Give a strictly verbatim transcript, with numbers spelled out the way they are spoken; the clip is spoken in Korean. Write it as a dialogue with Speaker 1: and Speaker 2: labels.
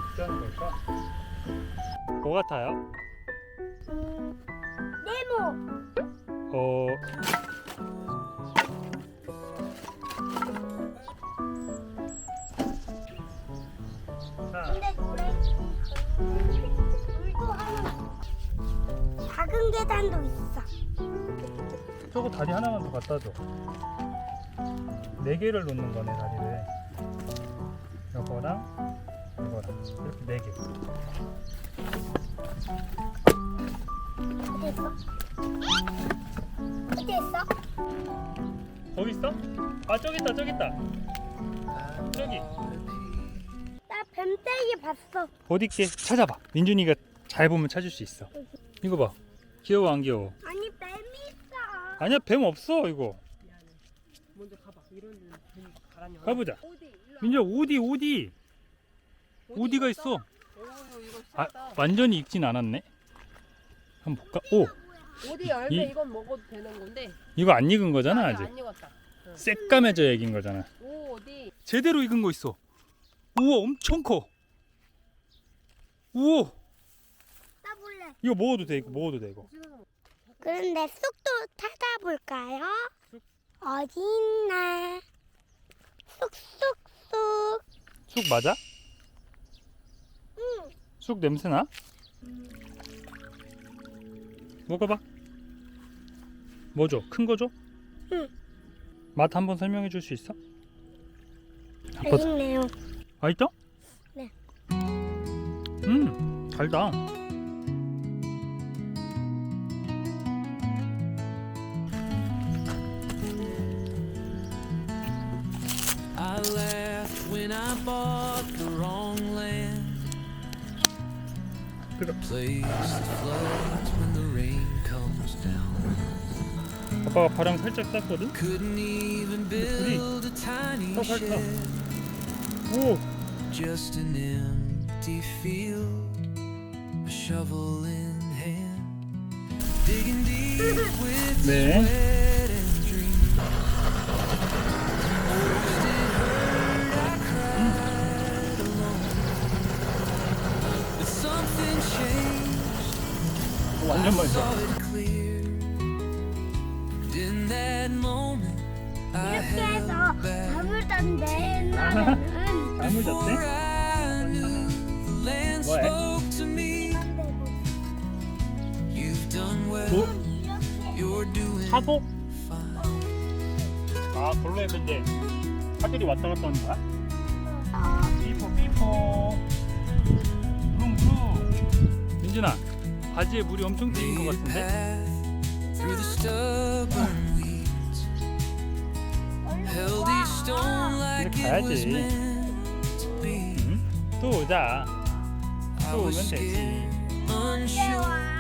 Speaker 1: 어떻게 하는 걸까? 뭐 같아요?
Speaker 2: 네모.
Speaker 1: 어... 자,
Speaker 2: 근데 물에 물도 하나 작은 계단도 있어.
Speaker 1: 저거 다리 하나만 더 갖다 줘. 네 개를 놓는 거네, 다리를. 이거랑 이거랑 이렇게 네 개.
Speaker 2: 어디 있어? 어디 있어?
Speaker 1: 거기 있어? 아, 저기 있다, 저기 있다. 저기.
Speaker 2: 나 뱀떼기 봤어.
Speaker 1: 어디 있게? 찾아봐. 민준이가 잘 보면 찾을 수 있어. 이거 봐. 귀여워, 안 귀여워?
Speaker 2: 아니 뱀이 있어.
Speaker 1: 아니야, 뱀 없어, 이거.
Speaker 3: 먼저 가봐. 이런 데는 괜히 가라냐.
Speaker 1: 가보자.
Speaker 3: 어디? 일로
Speaker 1: 민준아, 오디, 오디.
Speaker 3: 와.
Speaker 1: 오디가 있어.
Speaker 3: 오, 이거
Speaker 1: 아,
Speaker 3: 쌌다.
Speaker 1: 완전히 익진 않았네. 한번 볼까? 오,
Speaker 3: 어디 열매
Speaker 1: 이-
Speaker 3: 이건 먹어도 되는 건데.
Speaker 1: 이거 안 익은 거잖아,
Speaker 3: 아니,
Speaker 1: 아직.
Speaker 3: 안 익었다. 응.
Speaker 1: 새까매져 익은 거잖아.
Speaker 3: 오, 어디?
Speaker 1: 제대로 익은 거 있어. 우와, 엄청 커. 우와,
Speaker 2: 따볼래.
Speaker 1: 이거 먹어도 돼, 이거 먹어도 돼, 이거.
Speaker 2: 그런데 쑥도 찾아볼까요? 어디 있나? 쑥쑥쑥.
Speaker 1: 쑥 맞아?
Speaker 2: 응.
Speaker 1: 쑥 냄새 나? 먹어봐. 뭐 줘? 큰 거 줘?
Speaker 2: 응.
Speaker 1: 맛 한번 설명해 줄 수 있어? 아빠,
Speaker 2: 맛있네요.
Speaker 1: 맛있어?
Speaker 2: 네.
Speaker 1: 음, 달다.
Speaker 4: I laughed when I bought the wrong land.
Speaker 1: 그래.
Speaker 4: Place that floods when the rain comes down.
Speaker 1: 아빠가 바람 살짝 쐈거든?
Speaker 4: Couldn't even build a tiny
Speaker 1: 더 살까?
Speaker 4: shed.
Speaker 1: 오,
Speaker 4: Just an empty field, a shovel in hand, digging deep with
Speaker 1: 네.
Speaker 4: sweat and dreams. Oh, did it hurt? I cried alone, but something changed.
Speaker 1: 완전 맛있어.
Speaker 4: Saw it clear. And in that moment, I
Speaker 2: 이렇게 해서
Speaker 4: held back.
Speaker 2: 잠을 잤는데 옛날에는
Speaker 1: 잠을
Speaker 4: Before
Speaker 1: 잤대?
Speaker 4: I knew, the land
Speaker 1: What?
Speaker 4: spoke to me. You've done well.
Speaker 1: 뭐?
Speaker 4: You're doing
Speaker 1: 사복?
Speaker 4: fine.
Speaker 1: 아, 본래 근데 사들이 왔다 갔다 하는 거야?
Speaker 2: 어,
Speaker 1: 삐뽀 삐뽀. 무릉무릉. 민준아, 바지에 물이 엄청 튀긴 것
Speaker 4: Made a
Speaker 1: 같은데?
Speaker 4: path through the stubborn weeds. Held each stone like
Speaker 1: 이제
Speaker 4: it was
Speaker 1: 가야지.
Speaker 4: meant to be.
Speaker 1: 응? 또 오자.
Speaker 4: I
Speaker 1: 또
Speaker 4: was
Speaker 1: 오면 되지.
Speaker 4: scared, unsure.